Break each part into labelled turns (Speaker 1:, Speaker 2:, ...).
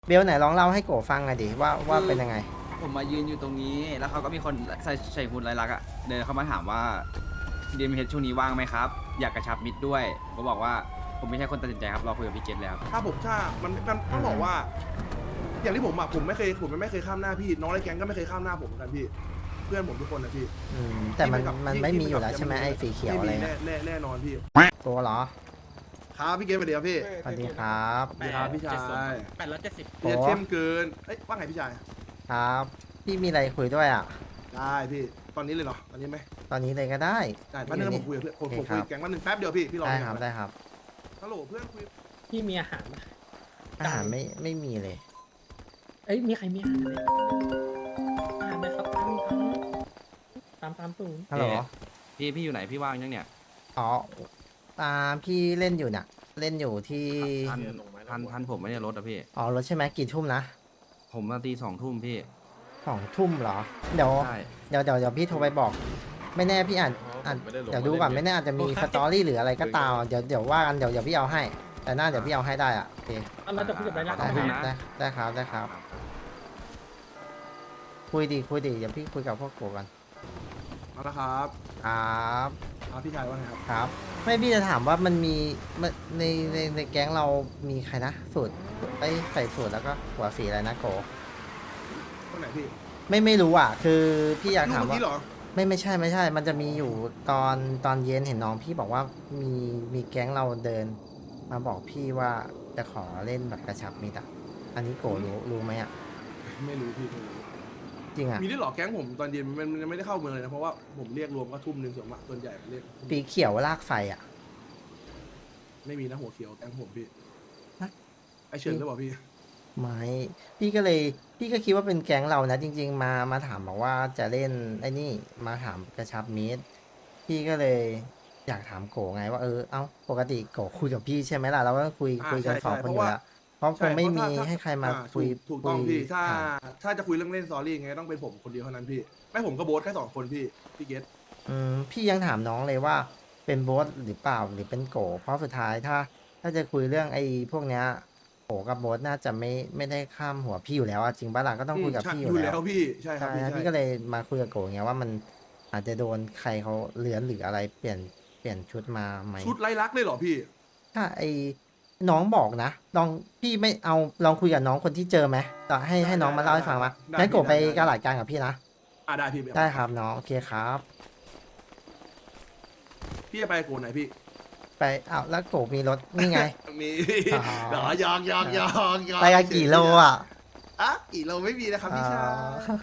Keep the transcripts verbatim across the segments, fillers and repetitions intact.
Speaker 1: เบลไหนลองเล่าให้โกฟังหน่อยดิว่าว่าเป็นยังไง
Speaker 2: ผมมายืนอยู่ตรงนี้แล้วเขาก็มีคนใส่ใส่หุ่นลายลักษณ์อะเดินเข้ามาถามว่าดีมเฮดช่วงนี้ว่างไหมครับอยากกระชับมิตรด้วยผมก็บอกว่าผมไม่ใช่คนตัดสินใจครับรอคุยกับพี่เกตแล้ว
Speaker 3: ถ้าผมถ้ามันมันต้องบอกว่า อย่างที่ผมอะผมไม่เคยผมไม่เคยข้ามหน้าพี่น้องในแก๊งก็ไม่เคยข้ามหน้าผมเหมือนกันพี่เพื่อนผมทุกคนนะพี่
Speaker 1: อืมแต่มันมันไม่มีอยู่แล้วใช่ไหมไอ้สีเขียวอะไร
Speaker 3: แน่
Speaker 1: เงี้ย
Speaker 3: แน่แน่นอนพี่
Speaker 1: ตัวเหรอ
Speaker 3: ครับพี่เกมไปเดียวพี่
Speaker 1: สวัสดีครับ
Speaker 3: สวัสดีครับพี่ชาย
Speaker 4: แปดร้อยเจ็ดสิบ
Speaker 3: เรียกเข้มเกินเอ้ยว่าไงพี่ชาย
Speaker 1: ครับพี่มีอะไรคุยด้วยอ่ะ
Speaker 3: ได้พี่ตอนนี้เลยเหรอตอนนี้ไหม
Speaker 1: ตอนนี้เลยก็ได้
Speaker 3: ได้แป๊บนึงนะผมคุยกับเพื่อนผมผมคุยกับแก๊งวันหนึ่งแป๊บเดียวพี่พี่รอ
Speaker 1: ได้
Speaker 3: เนี่ย
Speaker 1: ครับได้ครับ
Speaker 3: ฮัลโหลเพื่อนคุย
Speaker 4: พี่มีอาหารไหม
Speaker 1: อาหารไม่ไม่มีเลย
Speaker 4: เอ้ยมีใครมีอาหารไหมอาหารไหมครับตามตามตามตูน
Speaker 1: ฮัลโหล
Speaker 2: พี่พี่อยู่ไหนพี่ว่างยังเนี่ย
Speaker 1: อ๋ออ่าพี่เล่นอยู่น่ะ เล่นอยู่ที่
Speaker 2: ทันทันทันผมไม่ได้รถอะพี่
Speaker 1: อ๋อรถใช่ไหมกี่ทุ่มนะ
Speaker 2: ผมมาตีสองทุ่มพี่
Speaker 1: สองทุ่มเหรอเดี๋ยว
Speaker 2: ใช่
Speaker 1: เดี๋ยวเดี๋ยวเดี๋ยวพี่โทรไปบอก ไม่แน่พี่อาจอาจเดี๋ยวดูก่อนไม่แน่อาจจะมีสตอรี่หรืออะไรก็ตามเดี๋ยวเดี๋ยวว่ากันเดี๋ยวเดี๋ยวพี่เอาให้ แต่หน้าเดี๋ยวพี่เอาให้ได้อ่ะโอเค
Speaker 4: เราจะคุยกับไรลักษณ์
Speaker 1: ได้
Speaker 4: ไห
Speaker 1: ค
Speaker 4: ม
Speaker 1: รับได้ได้ครับได้ครับ คุยดีคุยดีเดี๋ยวพี่คุยกับพวกกูกัน
Speaker 3: มาแล้วครับ
Speaker 1: ครับ
Speaker 3: ครับพี่ชายว่าไงครับ
Speaker 1: ครับ ไม่พี่จะถามว่ามันมีมันในในในแก๊งเรามีใครนะสูตรไอ้ใส่สูตรแล้วก็หัวสีอะไรนะโก
Speaker 3: คนไหนพี่
Speaker 1: ไม่ไม่รู้อ่ะ คือพี่อยาก
Speaker 3: ลูก
Speaker 1: ถาม
Speaker 3: เมื่อ
Speaker 1: ว่า
Speaker 3: กี้เหรอ
Speaker 1: ไม่ไม่ใช่ไม่ใช่ มันจะมีอยู่ตอนตอนเย็นเห็นน้องพี่บอกว่ามีมีแก๊งเราเดิน มาบอกพี่ว่าจะขอเล่นแบบกระชับมิตรอ่ะอันนี้โกรู้รู้ไหมอ่ะ
Speaker 3: ไม่รู้พี่ไม่รู้
Speaker 1: จริงอ่ะ
Speaker 3: มีได้วยเหรอแก๊งผมตอนเย็นมันมันยังไม่ได้เข้าเมืองเลยนะเพราะว่าผมเรียกรวมก็ทุ่มหนึ่งส่วนมากส่วนใหญ่เรียก
Speaker 1: ปีเขียวลากไฟอ่ะ
Speaker 3: ไม่มีนะหัวเขียวแก๊งผมพี่
Speaker 1: ฮะ
Speaker 3: ไอเฉินหรือเปล่าพี่
Speaker 1: ไม่พี่ก็เลยพี่ก็คิดว่าเป็นแก๊งเรานะจริง ๆ มามาถามบอกว่าจะเล่นไอ้นี่มาถามกระชับมิตรพี่ก็เลยอยากถามโกไงว่าเออเอ้าปกติโกคุยกับพี่ใช่ไหมล่ะเราก็คุย
Speaker 3: อ่า
Speaker 1: คุยกัน
Speaker 3: ใช่
Speaker 1: สอง
Speaker 3: ใช่
Speaker 1: คนอ
Speaker 3: เพราะ
Speaker 1: ยู่
Speaker 3: ว่า
Speaker 1: แล้วเพราะคงไม่มีให้ใครมา
Speaker 3: อ่
Speaker 1: คุย
Speaker 3: ถูกถูกต้อง
Speaker 1: คุย
Speaker 3: พี่ถ้า
Speaker 1: ถาม
Speaker 3: ถ้าจะคุยเรื่องเล่นสตอรี่ไงต้องเป็นผมคนเดียวเท่านั้นพี่ไม่ผมก็โบ๊ทแค่สองคนพี่พี่เกต
Speaker 1: อืมพี่ยังถามน้องเลยว่าเป็นโบสหรือเปล่าหรือเป็นโก เพราะสุดท้ายถ้า ถ้าจะคุยเรื่องไอ้พวกเนี้ยโกกับโบสน่าจะไม่ไม่ได้ข้ามหัวพี่อยู่แล้วอะจริงปะล่ะก็ต้องคุยกับ
Speaker 3: ใช่
Speaker 1: พี่อ
Speaker 3: อยู่ ยู่
Speaker 1: แล้
Speaker 3: แล้ว วพี่ใช่ครับ
Speaker 1: ใช่
Speaker 3: พี่
Speaker 1: นะ
Speaker 3: ใช่
Speaker 1: พี่ก็เลยมาคุยกับโกไงว่ามันอาจจะโดนใครเขาเลือนหรืออะไรเปลี่ยนเปลี่ยนชุดมาไหม
Speaker 3: ชุดไร้ลักษณ์เลยเหรอพี่
Speaker 1: ถ้าไอ้น้องบอกนะลองพี่ไม่เอาลองคุยกับน้องคนที่เจอไหมต่อให้ให้น้องมาเล่าให้ฟังมางั้นโกไปกระหลาดกลางกับพี่นะ
Speaker 3: อ่าได้พี่
Speaker 1: ได้ครับน้องโอเคครับ
Speaker 3: พี่จะไปโกนไหนพี่
Speaker 1: ไปอ้าวแล้วโกมีรถนี่ไง
Speaker 3: มี
Speaker 1: อ๋อ
Speaker 3: เหรอยองยองยองยอง
Speaker 1: ไปกันกี่โลอ่ะ
Speaker 3: อ่ะกี่โลไม่มีนะครับพี่ชาย
Speaker 1: อ๋อ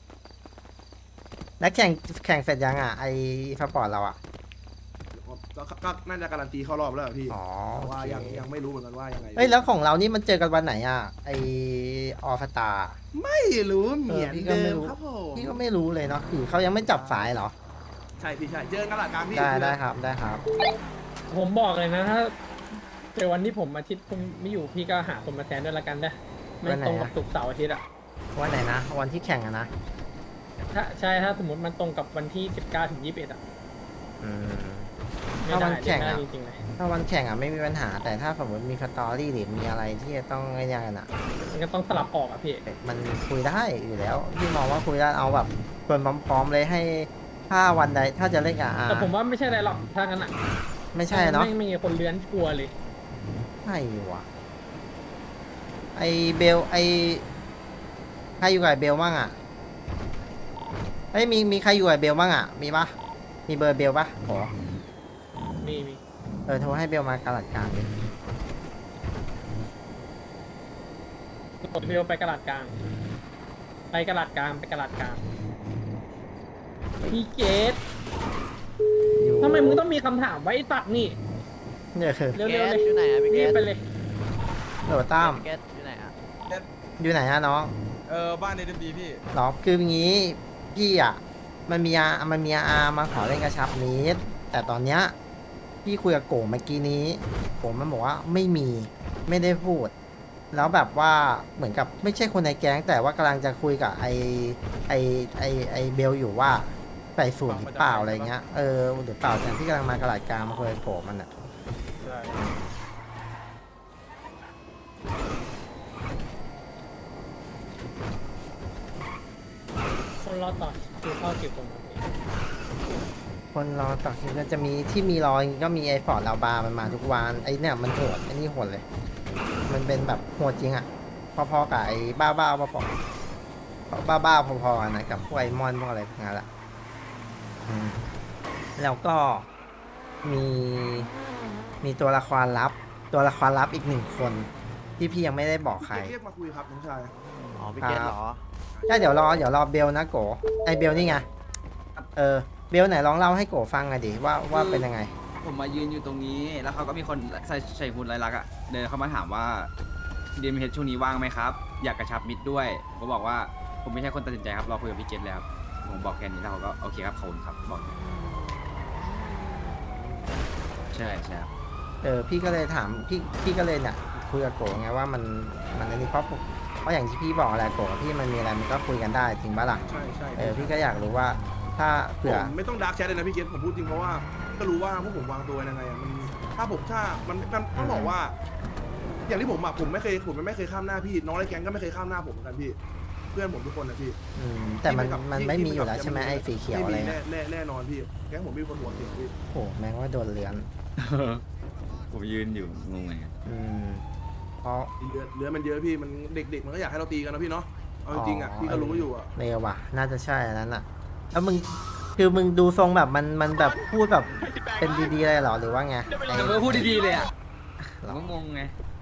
Speaker 1: แล้วแข่งแข่งเสร็จยังอ่ะไอ้สปอร์ตเราอ่ะ
Speaker 3: ก็ก็น่าจะการันตีเข้ารอบแล้วเหรอพี่
Speaker 1: อ๋อ
Speaker 3: แต่ว่า
Speaker 1: โอเค
Speaker 3: ยังยังไม่รู้เหมือนกันว่ายังไง
Speaker 1: เอ้ยแล้วของเรานี่มันเจอกันวันไหนอ่ะไอออฟตา
Speaker 3: ไม่รู้เหมือน
Speaker 1: เออพี่ก็
Speaker 3: เดิ
Speaker 1: ไม่
Speaker 3: ม
Speaker 1: รู้
Speaker 3: ครับผม
Speaker 1: พี่ก็ไม่รู้เลยเนาะคือเขายังไม่จับสายเหรอ
Speaker 3: ใช่พี่ใช่เจอกันหลักกลางพี่
Speaker 1: ได้ได้ครับได้ครับ
Speaker 4: ผมบอกเลยนะถ้าเจอวันที่ผมอาทิตย์ผมไม่อยู่พี่ก็หาคนมาแทนด้วยละกันนะไม่ตรงกับศุกร์เสาร์อาทิตย์อะ
Speaker 1: วันไหนนะวันที่แข่งอะนะ
Speaker 4: ถ้าใช่ถ้าสมมติมันตรงกับวันที่สิบเก้าถึงยี่สิบเอ็ดอะ
Speaker 1: อืม
Speaker 4: ไม่
Speaker 1: ถ้า
Speaker 4: ได้
Speaker 1: วันแข่ง
Speaker 4: ไม่ได้
Speaker 1: อะ
Speaker 4: จริงๆเลย
Speaker 1: ถ้าวันแข่งอ่ะไม่มีปัญหา แต่ถ้าสมมติมีสตอรี่หรือมีอะไรที่จะต้องไอ้เนี่ยกันอ่ะ
Speaker 4: มันก็ต้องสลับออกอะพี่
Speaker 1: มันคุยได้อยู่แล้วพี่มองว่าคุยได้เอาแบบชวนพร้อมๆเลยให้ถ้าวันใดถ้าจะเล่นกับอา
Speaker 4: แต่ผมว่าไม่ใช่อะไรหรอกถ้างั้นอะ
Speaker 1: ไม่ใช่เนาะ
Speaker 4: ไม่มีคนเลื้อนกลัวเลย
Speaker 1: ใช่วะไอเบลไอใครอยู่กับไอ้เบลบ้างอ่ะเฮ้ยมีมีใครอยู่กับไอ้เบลบ้างอ่ะมีปะมีเบอร์เบลปะโห
Speaker 4: มีมี
Speaker 1: เออโทรให้เบลมากระลัดกลางดิ
Speaker 4: กดเร็วไปกระดาษกลาง ไปกระดาษกลางไปกระดาษกลางพี่เกต
Speaker 1: อยู่
Speaker 4: ทำไมมึงต้องมีคำถามไว้ไอ้ตัดนี่
Speaker 1: เนี่ยคือ
Speaker 4: เร็วๆเลย
Speaker 5: อยู่ไหนอะพี่เก
Speaker 4: รีบ
Speaker 5: ต
Speaker 4: ไปเลย
Speaker 1: โหลตั้ม
Speaker 5: เกตอยู่ไหนอะ
Speaker 1: อยู่ไหนอะน้อง
Speaker 6: เออบ้านเอ็มดีพี่
Speaker 1: หรอคืออย่างงี้พี่อ่ะมันมีอามันมีอามาขอเล่นกระชับนิดแต่ตอนเนี้ยพี่คุยกับโกเมื่อกี้นี้โกมันบอกว่าไม่มีไม่ได้พูด แล้วแบบว่าเหมือนกับไม่ใช่คนในแก๊งแต่ว่ากำลังจะคุยกับไอไอไอไอเบลอยู่ว่าใส่สูตรหรือเปล่าอะไรเงี้ยเออหรือเปล่าแต่ที่กำลังมากระดาษกลางมาคุยกับโกมันอ่ะ
Speaker 6: ใช่
Speaker 4: รอต่อคิวเข้ากี่คนครับพี่
Speaker 1: คนรอต่อคิวก็จะมีที่มีรอก็มีไอ้ฟอร์ดลาบามันมาทุกวันไอ้เนี่ยมันโหดไอ้นี่โหดเลย มันเป็นแบบโหดจริงอ่ะพอๆกับไอ้บ้าบ้าๆพอๆบ้าบ้าๆพอๆกันนะกับพวกไอ้มอนพวกอะไรพวกนั้นแหละอืมแล้วก็มีมีตัวละครลับ ตัวละครลับอีกหนึ่งคนที่พี่ยังไม่ได้บอกใคร
Speaker 3: เรียกมาคุยครับน้องชาย
Speaker 5: อ๋อพี่เกตเหรอ
Speaker 1: ใช่เดี๋ยวรอเดี๋ยวรอเบลนะโกไอเบลนี่ไงเออเบลไหนลองเล่าให้โกฟังหน่อยดิว่าว่าเป็นยังไง
Speaker 2: ผมมายืนอยู่ตรงนี้ แล้วเขาก็มีคนใส่ใส่หุ่นลายลักษณ์อะเดินเข้ามาถามว่า ดี เอ็ม เอช ช่วงนี้ว่างไหมครับ อยากกระชับมิตรด้วยผมก็บอกว่าผมไม่ใช่คนตัดสินใจครับรอคุยกับพี่เกตแล้วผมบอกแค่นี้แล้วเขาก็โอเคครับขอบคุณครับบอกใช่ใช่ครับ
Speaker 1: เออพี่ก็เลยถามพี่พี่ก็เลยเนี่ยคุยกับโกไงว่ามันมันอันนี้เพราะเพราะอย่างที่พี่บอกแหละโกกับพี่มันมีอะไรมันก็คุยกันได้จริงปะล่ะ
Speaker 3: ใช่ใช่
Speaker 1: เออพี่ก็อยากรู้ว่าถ้า
Speaker 3: ผ
Speaker 1: เผื่อ
Speaker 3: มไม่ต้องดาร์กแชทเลยนะพี่เกตผมพูดจริงเพราะว่าก็รู้ว่าพวกผมวางตัวยังไงอะมันถ้าผมถ้ามันมันต้องบอกว่า อย่างที่ผมอะผมไม่เคยผมไม่เคยข้ามหน้าพี่น้องในแก๊งก็ไม่เคยข้ามหน้าผมเหมือนกันพี่เพื่อนผมทุกคนนะพี่
Speaker 1: อืมแต่มัน
Speaker 3: ที่
Speaker 1: มัน
Speaker 3: ที่
Speaker 1: ไม่มี
Speaker 3: ที่
Speaker 1: อยู่แล้ว
Speaker 3: ที่
Speaker 1: ใช่ไหมไอ้สีเขียวอะไร
Speaker 3: ม่มี
Speaker 1: นะ
Speaker 3: แน่แน่แน่นอนพี่แก๊งผมมีคนหัวเขียวพี่
Speaker 1: โอ้แม่งว่าโดนเลือน
Speaker 2: ผมยืนอยู่งงไง
Speaker 1: อืมเพราะ
Speaker 3: เลือดเลือดมันเยอะพี่มันเด็กๆมันก็อยากให้เราตีกันนะพี่เนาะเอาจริงๆอะพี่ก็รู้อยู่อะ
Speaker 1: เร็วว่ะน่าจะใช่อันนั้นอ่ะแล้วมึงคือมึงดูทรงแบบมันมันแบบพูดแบบเป็นดีๆเลยเหรอหรือว่าไงไอ้
Speaker 2: แต่ก็พูดดีๆเลยอ่ะผมก็งงไง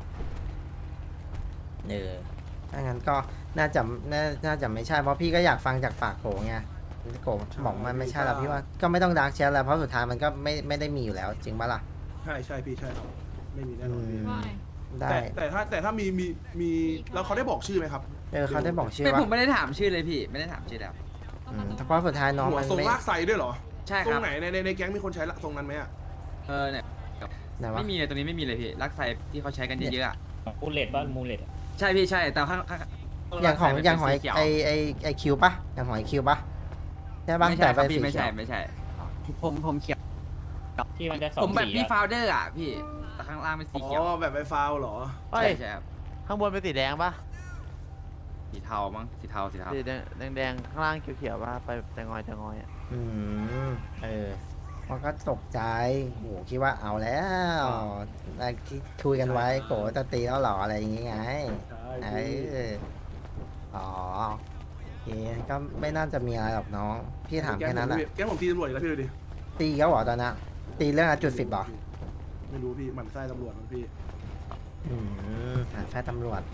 Speaker 1: เออถ้างั้นก็น่าจะน่าน่าจะไม่ใช่เพราะพี่ก็อยากฟังจากปากโกไงโกบอกมันไม่ใช่แล้วพี่ว่าก็ไม่ต้องดาร์กแชทแล้วเพราะสุดท้ายมันก็ไม่ไม่ได้มีอยู่แล้วจริงปะล่ะ
Speaker 3: ใช่ใช่พี่ใช่ครับไม่มีแน่น
Speaker 1: อื
Speaker 3: อนพี่
Speaker 1: มได้
Speaker 3: แต่แต่ถ้าแต่ถ้ามีมีมีแล้วเขาได้บอกชื่อไหมครับ
Speaker 1: เออเขาได้บอกชื่อ
Speaker 2: ไม่
Speaker 1: ว่า
Speaker 2: ผมไม่ได้ถามชื่อเลยพี่ไม่ได้ถามชื่อแล้ว
Speaker 1: อืมเพราะสุดท้ายน้อง
Speaker 3: หัว
Speaker 1: มัน
Speaker 3: ทรง
Speaker 1: ไม่
Speaker 3: ลากไซด้วยเหรอ
Speaker 2: ใช่
Speaker 3: ท
Speaker 2: ค
Speaker 3: ร
Speaker 2: รั
Speaker 3: ง
Speaker 2: บ
Speaker 3: ไหนในในในแก๊งมีคนใช้ละทรงนั้นไหมอะ
Speaker 2: เออเนี่ย
Speaker 1: ไหนวะ
Speaker 2: ไม่มีเลยตรงนี้ไม่มีเลยพี่ลักไซที่เขาใช้กันเยอะๆอะ
Speaker 4: มูเลตบ้านมูเลต
Speaker 2: ใช่พี่ใช่แต่ข้างข้าง
Speaker 1: อย่างของ
Speaker 2: ลักไซ
Speaker 1: อย่างของไอ
Speaker 2: เป็นสีเขีว
Speaker 1: ไอไอไอคิวปะอย่างของไอคิวปะใช่ปะ
Speaker 2: ไม่
Speaker 1: แต่
Speaker 2: ใช่ค
Speaker 1: ไป
Speaker 2: รับ
Speaker 1: สี
Speaker 2: พี่ไม่
Speaker 1: เขี
Speaker 2: ใช่
Speaker 1: ยว
Speaker 2: ไม่ใช่ ผมผมเขียว
Speaker 4: ที่มันจะสอง
Speaker 2: ผมแบบ
Speaker 4: สี
Speaker 2: พี่
Speaker 4: อะ
Speaker 2: ฟาวเดอร์อ่ะพี่แต่ข้างล่างเป็นสี
Speaker 3: อ๋
Speaker 2: เขียว
Speaker 3: อแบบไฟฟาวเหรอ
Speaker 5: เฮ้
Speaker 2: ใช่
Speaker 5: ย
Speaker 2: ใช่ครับ
Speaker 5: ข้างบนเป็นสีแดงปะ
Speaker 2: สีเทามั้งสีเทาสีเทา
Speaker 5: สีแดงแดงๆข้างล่างเขียวๆปะไปแตงอยแตงอยอ่ะ
Speaker 1: อืมเออมันก็ตกใจโหคิดว่าเอาแล้วอะไรที่คุยกันไว้โกจะตีแล้วเหรออะไรอย่างงี้ไง
Speaker 3: ใช่
Speaker 1: เอออ๋อโอเคก็ไม่น่าจะมีอะไรหรอกน้อง พี่ถามแค่นั้นแหละ
Speaker 3: แก๊งผมตีตำรวจอีกแล้วพี่ดูดิ
Speaker 1: ตีเขาเหรอตอนนั้นตีเรื่องอะจุดสิบเหรอ
Speaker 3: ไม่รู้พี่หมันไส้ตำรวจมันพี่
Speaker 1: อืมหาแฟนตำรวจ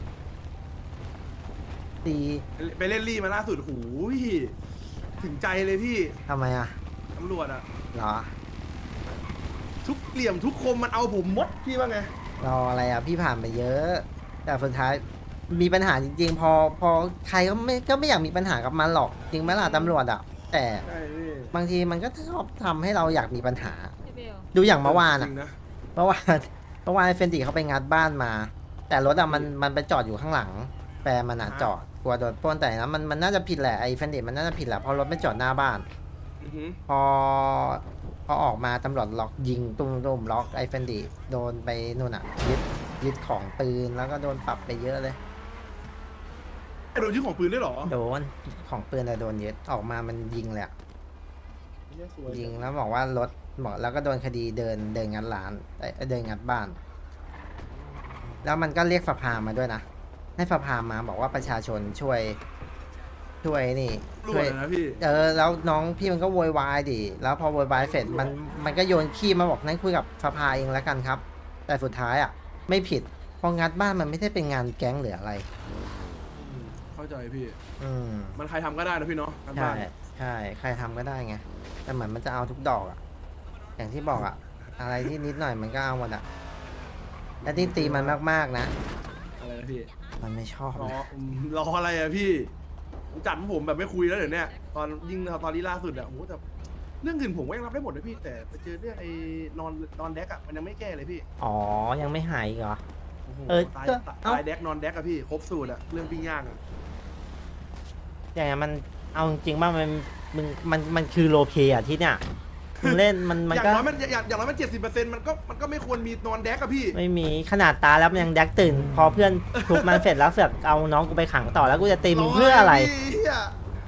Speaker 1: ตี
Speaker 3: ไปเล่นรี่มาล่าสุดหูยถึงใจเลยพี่
Speaker 1: ทำไมอ่ะ
Speaker 3: ตำรวจอะ
Speaker 1: เหรอ
Speaker 3: ทุกเหลี่ยมทุกคมมันเอาผมหมดพี่ว่าไง
Speaker 1: รออะไรอ่ะ พี่ผ่านไปเยอะ แต่สุดท้ายมีปัญหาจริงๆ พอพอใครก็ไม่ก็ไม่อยากมีปัญหากับมันหรอก จริงไหมล่ะตำรวจอ่ะ แต่
Speaker 3: ใช่พี่
Speaker 1: บางทีมันก็ชอบทำให้เราอยากมีปัญหา ดูอย่างเมื่อวาน
Speaker 3: จ
Speaker 1: อ่ะ
Speaker 3: ริงนะ
Speaker 1: เมื่อวานเมื่อวานเฟนติเขาไปงัดบ้านมา แต่รถอะมันมันไปจอดอยู่ข้างหลังแฟนมันอะจอดกลัวโดนปล้นแต่นะมันมันน่าจะผิดแหละไอ้เฟนติมันน่าจะผิดแหละเพราะรถไม่จอดหน้าบ้าน
Speaker 3: อือหือ
Speaker 1: พอพอออกมาตำรวจล็อกยิงตุ้มตุ้มล็อกไอ้เฟนดิโดนไปนู่นอะยึดยึดของปืนแล้วก็โดนปรับไปเยอะเลย
Speaker 3: ไอ้โดนยึดของปืนด้วยเหรอ
Speaker 1: โดนของปืนแต่โดนยึดออกมามันยิงเลยอะ
Speaker 3: เนี่ยสวย
Speaker 1: ยิงแล้วบอกว่ารถบอกแล้วก็โดนคดีเดินเดินงัดร้านเอ้ยเดินงัดบ้าน แล้วมันก็เรียกสภามาด้วยนะให้สภามาบอกว่าประชาชนช่วยช่วยนี่
Speaker 3: รว
Speaker 1: ช่วย
Speaker 3: ยนะพี่
Speaker 1: เออแล้วน้องพี่มันก็โวยวายดิแล้วพอโวยวายเสร็จมันมันก็โยนขี้มาบอกนั่นคุยกับสภาเองแล้วกันครับ แต่สุดท้ายอ่ะไม่ผิดเพองัดบ้านมันไม่ได้เป็นงานแก๊งหรืออะไร
Speaker 3: อืมเข้าใจพี่
Speaker 1: อืม
Speaker 3: มันใครทำก็ได้นะพี่เนาะการ
Speaker 1: ใช่
Speaker 3: บ้าน
Speaker 1: ใช่ใครทำก็ได้ไงแต่เหมือนมันจะเอาทุกดอกอ่ะอย่างที่บอกอ่ะอะไรที่นิดหน่อยมันก็เอาหมดอ่ะและที่ตีมันมากๆนะ
Speaker 3: อะไรนะพี่
Speaker 1: มันไม่ชอบ
Speaker 3: รอ
Speaker 1: นะ
Speaker 3: อืมรออะไรอะพี่จัดผมแบบไม่คุยแล้วเดี๋ยวเนี้ยตอนยิ่งตอนนี้ล่าสุดอะโอ้โหแต่เรื่องอื่นผมก็ยังรับได้หมดเลยพี่ แต่ไปเจอเรื่องไอ้นอนนอนแดกอะมันยังไม่แก้เลยพี่
Speaker 1: อ๋อยังไม่หายอีกเหรอ
Speaker 3: โอ้โห
Speaker 1: เออ
Speaker 3: ตาย
Speaker 1: ก็
Speaker 3: ตาย
Speaker 1: เอ้า
Speaker 3: ตายแดกนอนแดกอะพี่ครบสูตรอะเรื่องปิ้งย่างอะ
Speaker 1: อย่างนั้นมันเอาจริงๆว่ามันมึงมันมันคือโรลเพลย์อ่ะที่เนี่ยมึงเล่นมันมัน
Speaker 3: อย่าง
Speaker 1: ก็
Speaker 3: น้อยมันอย่างอย่างน้อยมันเจ็ดสิบเปอร์เซ็นต์มันก็มันก็ไม่ควรมีนอนแดกอะพี่
Speaker 1: ไม่มีขนาดตาแล้วมันยังแดกตื่น พอเพื่อนทุบมันเสร็จแล้วเสือกเอาน้องกูไปขังต่อแล้วกูจะตีมึงเพื่ออะไร
Speaker 3: พี่เหี้ย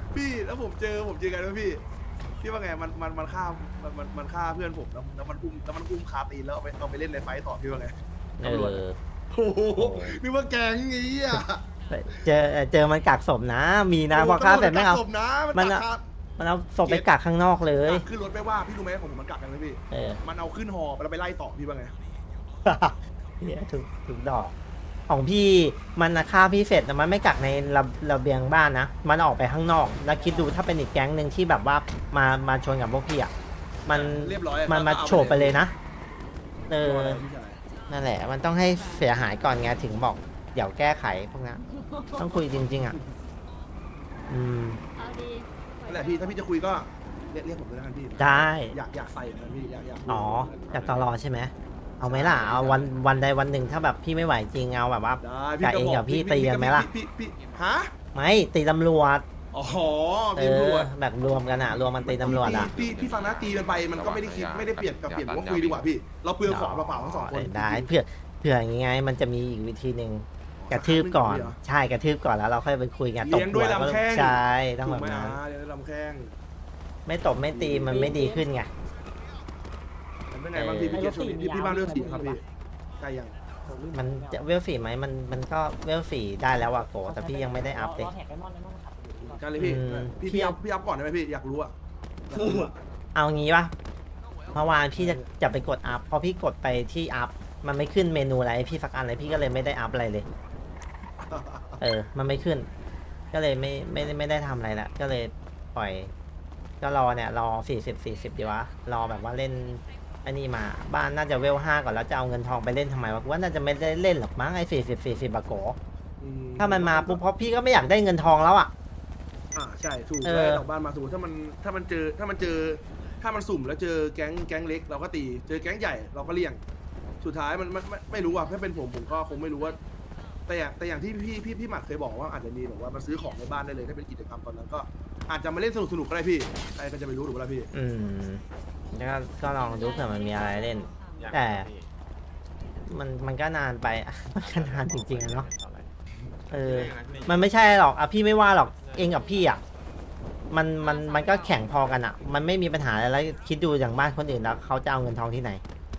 Speaker 3: พี่แล้วผมเจอผมเจอกันแล้วพี่พี่ว่าไงมันมันมันฆ่ามันมันมันฆ่าเพื่อนผมแล้วแล้วมันอุ้มแล้วมันอุ้มคาตีนแล้วเอาไปเอาไปเล่นในไฟต์ต่อพี่ว่าไง
Speaker 1: เอ
Speaker 3: ตำรวจ
Speaker 1: อ
Speaker 3: โอ้โหนึกว่าแกงอย่างงี้อ่ะ
Speaker 1: เจอเจอมันกักศพนะ มีนะพอฆ่าเสร็จไม่เอา
Speaker 3: ศพนะ
Speaker 1: มั
Speaker 3: มัน น
Speaker 1: อะ
Speaker 3: กัก
Speaker 1: มันเอาศพไปกักข้างนอกเลย
Speaker 3: ขึ้นรถไม่ว่าพี่รู้ไหมผมมันกักกันเลยพี่
Speaker 1: เออ
Speaker 3: มันเอาขึ้นหอแล้วไปไล่ต่อพี่ว่าไง
Speaker 1: เหี้ยถูกถูกดอก ของพี่มันน่ะฆ่าพี่เสร็จแต่มันไม่กักในระระเบียงบ้านนะ มันออกไปข้างนอก แล้วคิดดูถ้าเป็นอีกแก๊งหนึ่งที่แบบว่ามามาชนกับพวกพี่อ่ะมัน
Speaker 3: เรียบร้อย
Speaker 1: มันมา
Speaker 3: ก็เอาไป
Speaker 1: โฉบไปเลยนะเออ
Speaker 3: ตัวอะไรพี่ชาย
Speaker 1: นั่นแหละ มันต้องให้เสียหายก่อนไงถึงบอกเดี๋ยวแก้ไขพวกนั้นต้องคุยจริง ๆ อ่ะ อืม
Speaker 6: เอาดี
Speaker 3: นั่นแหละพี่ถ้าพี่จะคุยก็เรียกเรียกผมเลยแล้วกันพี่
Speaker 1: ได้
Speaker 3: อยากอยากใส่เหมือนกันพี่อยากอยาก
Speaker 1: อ๋อจากตลอใช่ไหม เอาไหมล่ะ เอาวันวันใดวันหนึ่งถ้าแบบพี่ไม่ไหวจริงเอาแบบว่า
Speaker 3: ได้
Speaker 1: กับเองกับพี่ตีกันไหมล่ะ
Speaker 3: พี่พี่พี่ฮะ
Speaker 1: ไม่ตีตำรวจ
Speaker 3: อ๋อ
Speaker 1: เอ
Speaker 3: พี่ตำร
Speaker 1: อ
Speaker 3: วจ
Speaker 1: แบบรวมกันอ่ะ รวมมันตีตำรวจอ่ะ
Speaker 3: พี่พี่พี่ฟังนะตีกันไปมันก็ไม่ได้คิดไม่ได้เปลี่ยนกับเปลี่ยนว่าคุยดีกว่าพี่ เราเปลืองของเปล่าๆทั้งสองคน
Speaker 1: ได้เผื่อเผื่ออย่างไงมันจะมีอีกวิธีหนึ่งกระทืบก่อน ใช่กระทืบก่อนแล้วเราค่อยไปคุยกันตบ
Speaker 3: เลี้ยงด้วยลำแข้ง
Speaker 1: ใช่ต้อง
Speaker 3: ถู
Speaker 1: แบ
Speaker 3: ก
Speaker 1: บ
Speaker 3: ไหม
Speaker 1: นั้น
Speaker 3: อ่ะเดี๋ยวลำแข้ง
Speaker 1: ไม่ตบไม่ตีมันไม่ดีขึ้นไง
Speaker 3: เป็นไงบางทีพี่เกศช่วงนี้พี่พี่บ้านเลือกสีครับพี่ใกล้ยัง
Speaker 1: มันจะเวลฝีไหมมันมันก็เวลฝีได้แล้วอะโกแต่พี่ยังไม่ได้อัพเลย
Speaker 3: กันเลยพี่
Speaker 1: อืม
Speaker 3: พี่พี่อัพพี่อัพก่อนได้ไหมพี่อยากรู้อะอยากรู้อะ
Speaker 1: เอางี้ปะเมื่อวานพี่จะจะไปกดอัพพอพี่กดไปที่อัพมันไม่ขึ้นเมนูอะไรให้พี่สักอันเลยพี่ก็เลยไม่ได้อัพอะไรเลย เออ มันไม่ขึ้น ก็เลยไม่ไม่ได้ไม่ได้ทำอะไรละก็เลยปล่อย ก็รอเนี่ยรอสี่สิบสี่สิบดีวะรอแบบว่าเล่นอันนี้มาบ้านน่าจะเวลห้าก่อนแล้วจะเอาเงินทองไปเล่นทำไมวะกูว่าน่าจะไม่ได้เล่นหรอกมั้งไอ้สี่สิบสี่สิบอะโก
Speaker 3: อื
Speaker 1: ถ้ามันมาปุ๊บเพราะพี่ก็ไม่อยากได้เงินทองแล้วอะ
Speaker 3: อ่าใช่ถูก
Speaker 1: เออ
Speaker 3: แล้วดอกบ้านมาสมมติถ้ามันถ้ามันเจอถ้ามันเจอถ้ามันสุ่มแล้วเจอแก๊งแก๊งเล็กเราก็ตีเจอแก๊งใหญ่เราก็เลี่ยง สุดท้ายมันไม่ไม่ไม่รู้อ่ะถ้าเป็นผมผมก็คงไม่รู้ว่า แต่อย่างแต่อย่างที่พี่พี่พี่หมัดเคยบอกว่าอาจจะมีแบบว่ามาซื้อของในบ้านได้เลยถ้าเป็นกิจกรรมตอนนั้นก็อาจจะมาเล่นสนุกสนุกๆก็ได้พี่ใครก็จะไปรู้ถูกไหมล่ะพี่
Speaker 1: อืมแล้วก็ก็ลองดูเผื่อมันมีอะไรเล่น แต่มันมันก็นานไป มันก็นานจริงๆอะเนาะเออ มันไม่ใช่หรอกอ่ะพี่ไม่ว่าหรอกเองกับพี่อ่ะมันมันมันก็แข่งพอกันอ่ะ มันไม่มีปัญหาอะไรแล้วคิดดูอย่างบ้านคนอื่นแล้วเขาจะเอาเงินทองที่ไหน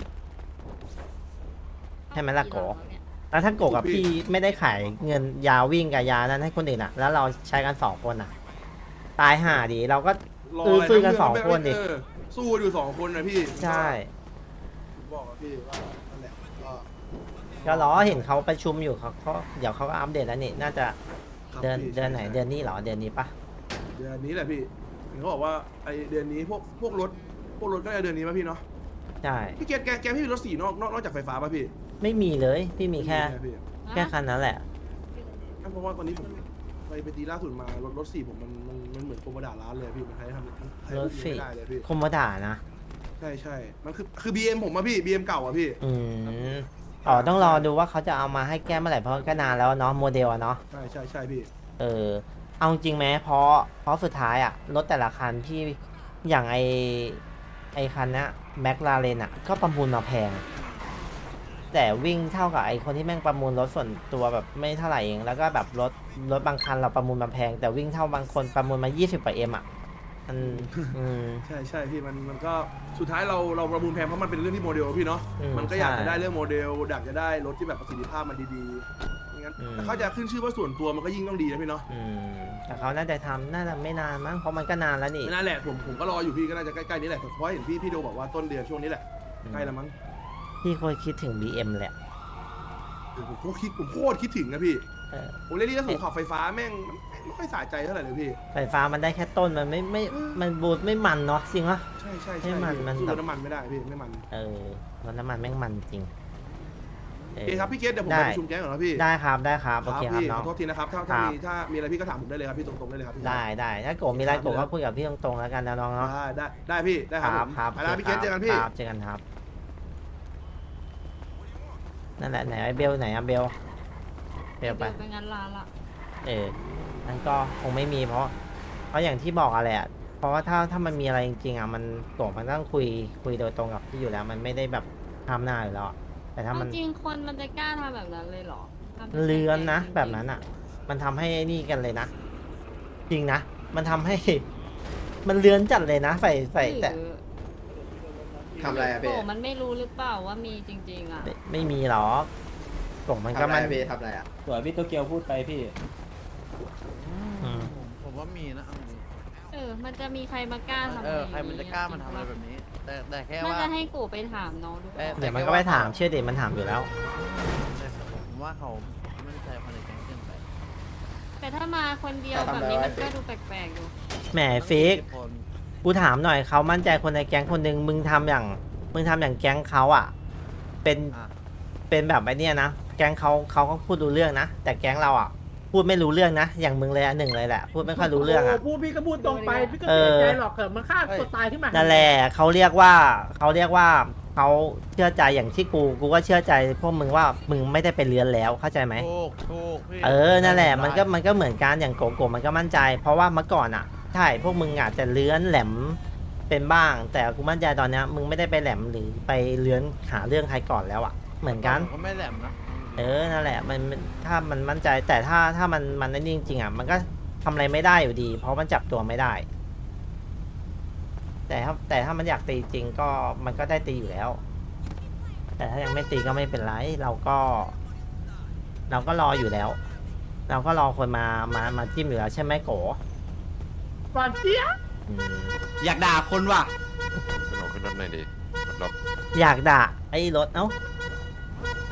Speaker 1: ใช่ไหมล่ะโกแล้วถ้าโกกับพี่ไม่ได้ขายเงินยาวิ่งกับยานั้นให้คนอื่นอ่ะ แล้วเราใช้กันสองคนอ่ะ ตายห่าดีเราก็
Speaker 3: ร
Speaker 1: เออ
Speaker 3: อะไร
Speaker 1: สู้กัน
Speaker 3: ทั้
Speaker 1: สองคนดิ
Speaker 3: เออสู้อยู่สองคนนะพี่
Speaker 1: ใช่
Speaker 3: ผมบอกกับพี่ว่านั่นแหละก็
Speaker 1: ก็รอเห็นเขาประชุมอยู่เขาเขาเดี๋ยวเขาก็อัปเดตแล้วนี่น่าจะ
Speaker 3: ครับ
Speaker 1: เดือน
Speaker 3: พี่
Speaker 1: เดือนไหน
Speaker 3: ใช่
Speaker 1: เดือนนี้เหรอเดือนนี้ปะ
Speaker 3: เดือนนี้แหละพี่เห็นเขาบอกว่าไอเดือนนี้พวกพวกรถพวกรถก็จะเดือนนี้ป่ะพี่เนาะ
Speaker 1: ใช่
Speaker 3: พี่แกแกแกพี่มีรถสีนอกนอกนอกจากไฟฟ้าป่ะพี่
Speaker 1: ไม่มีเลยพี่มีแค่
Speaker 3: ไพี่
Speaker 1: แค่คันนั้นแหละ
Speaker 3: เพราะว่าตอนนี้ผมไปไปตีล่าสุดมารถรถสีผมมันมันมันเหมือนโคมดาร้านเลยพี่มันใช้ทำมันใช้
Speaker 1: รถสี
Speaker 3: ไม่ได้เลยพี่
Speaker 1: คอมโมด่านะ
Speaker 3: ใช่ใช่มันคือคือบีเอ็มผมอะพี่บีเอ็มเก่าอะพี่
Speaker 1: อืมอ๋อต้องรอดูว่าเขาจะเอามาให้แก้เมื่อไหร่เพราะก็นานแล้วเนาะโมเดลอะเนาะ
Speaker 3: ใช่ใช่ใช่พี่
Speaker 1: เออเอาจริงไหมเพราะเพราะสุดท้ายอะรถแต่ละคันที่อย่างไอไอคันเนี้ยแม็กลาเรนอะก็ประมูลมาแพง แต่วิ่งเท่ากับไอคนที่แม่งประมูลรถส่วนตัวแบบไม่เท่าไหร่เองแล้วก็แบบรถรถบางคันเราประมูลมาแพง แต่วิ่งเท่าบางคนประมูลมายี่สิบกว่าเอ็มอะมันอืม
Speaker 3: ใช่ใช่พี่มันมันก็สุดท้ายเราเราประมูลแพงเพราะมันเป็นเรื่องที่โมเดลพี่เนาะ
Speaker 1: อืม
Speaker 3: มันก็อยาก
Speaker 1: ใช่
Speaker 3: จะได้เรื่องโมเดลอยากจะได้รถที่แบบประสิทธิภาพมันดีๆไม่งั้น
Speaker 1: อืม
Speaker 3: แต่เขาจะขึ้นชื่อว่าส่วนตัวมันก็ยิ่งต้องดีนะพี่เนาะ
Speaker 1: อืมแต่เขาน่าจะทำน่าจะไม่นานมั้งเพราะมันก็นานแล้วนี่
Speaker 3: ไม่น่าแหละผมผมก็รออยู่พี่ก็น่าจะใกล้ๆนี้แหละแต่เพราะเห็นพี่พี่โดบอกว่าต้นเดือนช่วงนี้แหละใกล้แล้วมั้ง
Speaker 1: พี่เคยคิดถึง บี เอ็ม แหละ
Speaker 3: เออผมโคตรคิดผมโคตรคิดถึงนะพี่
Speaker 1: เออ
Speaker 3: ผมเรียกที่สูงขับไฟฟ้าแม่งมันไม่ค่อยสะใจเท่าไหร่เลยพี่
Speaker 1: ไฟฟ้ามันได้แค่ต้นมันไม่ไม่มันบูดไม่มันเนาะจริงวะ
Speaker 3: ใช่ใช่
Speaker 1: ให้
Speaker 3: ใช่
Speaker 1: มัน
Speaker 3: พี่
Speaker 1: มัน
Speaker 3: สู้
Speaker 1: แบบ
Speaker 3: รถน้ำมันไม่ได้พี่ไม่มัน
Speaker 1: เออรถน้ำมันแม่งมันจริง
Speaker 3: โอเคครับพี่เกศเดี๋ยวผม
Speaker 1: ได้
Speaker 3: ไปประชุมแก๊งก่อนนะพี่
Speaker 1: ได้ครับได้ครับโอเคครับ
Speaker 3: พี่
Speaker 1: น้
Speaker 3: ข
Speaker 1: อง
Speaker 3: อโทษทีนะครับถ้าถ้า
Speaker 1: ครับ
Speaker 3: มีถ้ามีอะไรพี่ก็ถามผมได้เลยครับพี่ตรงๆได้เลยครับพี่
Speaker 1: ได้ได้ถ้าโกมีอะไรโกก็คุยกับพี่ตรงๆแล้วกันนะน้องเนาะ
Speaker 3: ได้ได้ได้พี่ได้ครับผม
Speaker 1: ครับ
Speaker 3: ไปแล้วพี่เกศเจอกันพี่
Speaker 1: ครับเจอกันครับนั่นแหละไหนไอ้เบลไหนอะเบลเบลไป
Speaker 6: ไปงานร้านละ
Speaker 1: เออนั่นก็คงไม่มีเพราะ เพราะอย่างที่บอกอะแหละเพราะว่าถ้าถ้ามันมีอะไรจริงๆอ่ะมันโกมันต้องคุยคุยโดยตรงกับพี่อยู่แล้ว มันไม่ได้แบบทำหน้าอยู่แล้วอะแต่ถ้ามัน
Speaker 6: จริงๆคนมันจะกล้าทำแบบนั้นเลยเหรอทำไม่ใช่
Speaker 1: เลือนนะ
Speaker 6: จริงๆ
Speaker 1: แบบนั้นอ่ะ มันทำให้ไอ้นี่กันเลยนะ จริงนะมันทำให้ มันเลือนจัดเลยนะไฟไฟแต่
Speaker 6: หรือ
Speaker 7: ทำอะไรอะ
Speaker 6: โก
Speaker 7: พี่
Speaker 6: มันไม่รู้หรือเปล่าว่ามีจริง ๆ อ่ะ
Speaker 1: ไม่ไม่มีหรอกกล่องมันก็
Speaker 7: ทำอะไร
Speaker 1: มัน
Speaker 7: อะพี่ทำอะไรอะ
Speaker 8: สวยพี่โตเกียวพูดไปพี่
Speaker 1: อืม
Speaker 5: ผมผมว่ามีนะเอาจริง
Speaker 6: เออ มันจะมีใครมากล้าทำ
Speaker 5: เอ
Speaker 6: อะไร
Speaker 5: อใครมันจะกล้ามันทำอะไรแบบนี้ แต่แต่แค่
Speaker 6: น่า
Speaker 5: ว่า
Speaker 6: จะให้โกไปถามน้องดู
Speaker 5: เอ๊ะ
Speaker 1: เดี๋ยวมันก็ไปถามเชื่อเด็มันถามอยู่แล้ว
Speaker 5: ผมว่าเขาไม่ได้ใจคนในแก๊งเกินไป
Speaker 6: แต่ถ้ามาคนเดียวแบบนี้มันก็ดูแปลกๆอยู่
Speaker 1: แหมฟิก
Speaker 5: คน
Speaker 1: กูถามหน่อยเขามั่นใจคนในแก๊งคนหนึ่งมึงทำอย่าง มึงทำอย่างแก๊งเขาอ่ะ เป็น
Speaker 5: อ่ะ
Speaker 1: เป็นแบบไอ้เนี่ยนะ แก๊งเขาเขาก็พูดรู้เรื่องนะ แต่แก๊งเราอ่ะ พูดไม่รู้เรื่องนะ อย่างมึงเลยอ่ะหนึ่งเลยแหละ พูดไม่ค่อยรู้เรื่องอ่ะ
Speaker 4: โพูดพี่ก็พูดตรงไป พี่ก็
Speaker 1: เอ
Speaker 4: เสีย
Speaker 1: อ
Speaker 4: ใจหรอกเกิดมันฆ่าตัวตายขึ้นมา
Speaker 1: นั่นแหละเขาเรียกว่าเขาเรียกว่าเขาเชื่อใจอย่างที่กู กูก็เชื่อใจพวกมึงว่ามึงไม่ได้ไปเลือนแล้วเข้าใจไหม
Speaker 5: ถูกถูกพี่
Speaker 1: เออ นั่นแหละ มันก็มันก็เหมือนกันอย่างโกโก้มันก็มั่นใจ เพราะว่าเมื่อก่อนอ่ะ ใช่ พวกมึงอาจจะเลื้อนแหลมเป็นบ้าง แต่กูมั่นใจตอนเนี้ยมึงไม่ได้ไปแหลมหรือไปเลื้อนหาเรื่องใครก่อนแล้วอ่ะ เหมือนกัน
Speaker 5: ผมก็ไม่แหลมนะ
Speaker 1: เออ นั่นแหละ มันมันถ้ามันมั่นใจ แต่ถ้าถ้ามันมันนั่นจริงๆอ่ะ มันก็ทำอะไรไม่ได้อยู่ดี เพราะมันจับตัวไม่ได้ แต่ถ้าแต่ถ้ามันอยากตีจริงก็มันก็ได้ตีอยู่แล้ว แต่ถ้ายังไม่ตีก็ไม่เป็นไร เราก็ เราก็รออยู่แล้ว เราก็รอคนมามามาจิ้มอยู่แล้วใช่ไหมโก
Speaker 4: หวานเจี๊ยบ
Speaker 1: อืม
Speaker 2: อยากด่าคนว่ะ
Speaker 9: ขึ้นรถขึ้นรถหน่อยดิรถ
Speaker 1: อยากด่าไอ้รถเอ้า